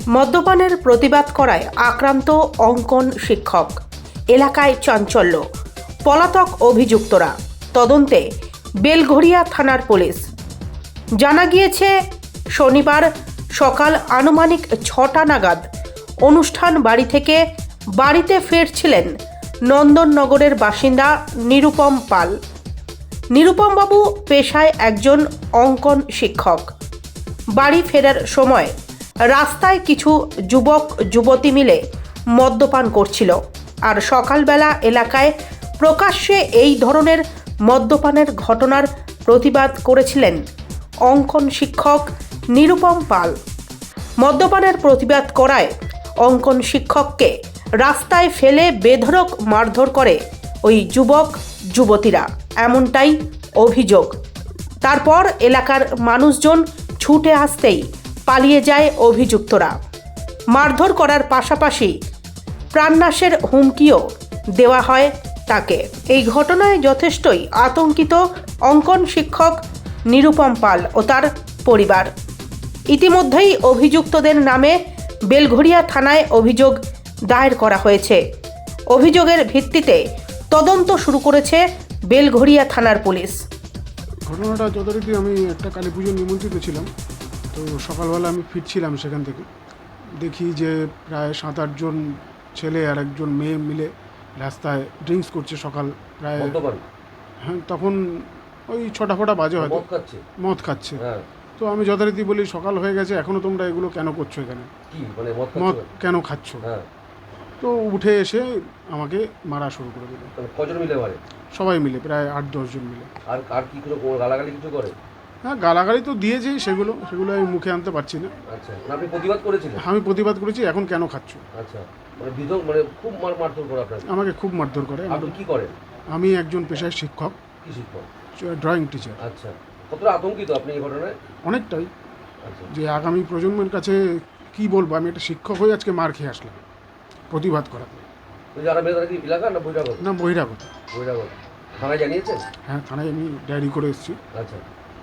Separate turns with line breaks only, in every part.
মদ্যপানের প্রতিবাদ করায় আক্রান্ত অঙ্কন শিক্ষক। এলাকায় চাঞ্চল্য। পলাতক অভিযুক্তরা। তদন্তে বেলঘড়িয়া থানার পুলিশ। জানা গিয়েছে, শনিবার সকাল আনুমানিক 6টা নাগাদ অনুষ্ঠান বাড়ি থেকে বাড়িতে ফিরছিলেন নন্দননগরের বাসিন্দা নিরুপম পাল। নিরুপমবাবু পেশায় একজন অঙ্কন শিক্ষক। বাড়ি ফেরার সময় রাস্তায় কিছু যুবক যুবতী মিলে মদ্যপান করছিল। আর সকালবেলা এলাকায় প্রকাশ্যে এই ধরনের মদ্যপানের ঘটনার প্রতিবাদ করেছিলেন অঙ্কন শিক্ষক নিরুপম পাল। মদ্যপানের প্রতিবাদ করায় অঙ্কন শিক্ষককে রাস্তায় ফেলে বেধড়ক মারধর করে ওই যুবক যুবতীরা, এমনটাই অভিযোগ। তারপর এলাকার মানুষজন ছুটে আসতেই পালিয়ে যায় অভিযুক্তরা। মারধর করার পাশাপাশি প্রাণনাশের হুমকিও দেওয়া হয় তাকে। এই ঘটনায় যথেষ্টই আতঙ্কিত অঙ্কন শিক্ষক নিরুপম পাল ও তার পরিবার। ইতিমধ্যেই অভিযুক্তদের নামে বেলঘড়িয়া থানায় অভিযোগ দায়ের করা হয়েছে। অভিযোগের ভিত্তিতে তদন্ত শুরু করেছে বেলঘড়িয়া থানার পুলিশ।
ঘটনাটা যথারীতি আমি একটা কালী পুজো নিমন্ত্রিত ছিলাম, তো সকালবেলা আমি ফিরছিলাম সেখান থেকে। দেখি যে প্রায় 7-8 জন ছেলে আর একজন মেয়ে মিলে রাস্তায় ড্রিঙ্কস করছে সকাল প্রায়। হ্যাঁ, তখন ওই 6টা ফটা বাজে হয়তো। মদ খাচ্ছে। তো আমি যথারীতি বলি, সকাল হয়ে গেছে, এখনও তোমরা এগুলো কেন করছো এখানে, মদ কেন খাচ্ছ? তো উঠে এসে আমাকে মারা শুরু করে দিল।
কজন মিলে মারে?
সবাই মিলে, প্রায় 8-10 জন মিলে।
আর কি করে গালাগালি কিছু করে?
হ্যাঁ, গালাগালি তো দিয়েছি, সেগুলো আমি মুখে আনতে পারছি না।
আচ্ছা, আপনি প্রতিবাদ করেছিলেন?
আমি প্রতিবাদ করেছি, এখন কেন খাচ্ছ।
আচ্ছা, খুব মারধর করে আপনাকে?
আমাকে খুব মারধর করে।
আপনি কি করেন?
আমি একজন পেশায় শিক্ষক।
কি শিক্ষক?
Drawing teacher.
আচ্ছা, কতটা আতঙ্কিত আপনি এই ঘটনায়?
অনেকটাই।
আচ্ছা,
যে আগামী প্রজন্মের কাছে কি বলবো, আমি একটা শিক্ষক হয়ে আজকে মার খেয়ে আসলাম প্রতিবাদ করাতে।
যারা মেয়ে তারা কি এলাকা না বহিরাগত?
না, বহিরাগত।
বহিরাগত। থানায় জানিয়েছেন?
হ্যাঁ, থানায় আমি ডায়েরি করে এসেছি।
আচ্ছা,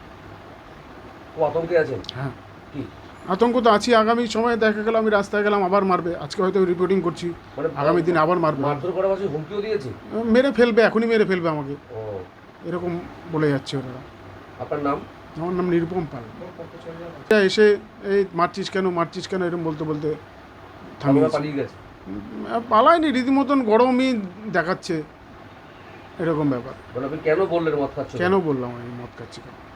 খুব আতঙ্কে আছেন?
হ্যাঁ,
কি
আতঙ্ক তো আছি। আগামী সময়ে দেখা গেল আমি রাস্তায় গেলাম, আবার মারবে। আজকে হয়তো রিপোর্টিং করছি, আগামী দিন আবার মারবে।
মারধর করার পাশে হুমকিও দিয়েছে?
মেরে ফেলবে, এখনই মেরে ফেলবে আমাকে,
ও
এরকম বলে যাচ্ছে ওরা।
আপনার নাম?
আমার নাম নিরুপম পাল। এসে এই মারছিস কেন এরকম বলতে বলতে
পালিয়ে গেছে?
পালায়নি, রীতিমতন গরমই দেখাচ্ছে, এরকম ব্যাপার।
আপনি কেন বললেন মদ খাচ্ছেন?
কেন বললাম আমি মদ খাচ্ছি?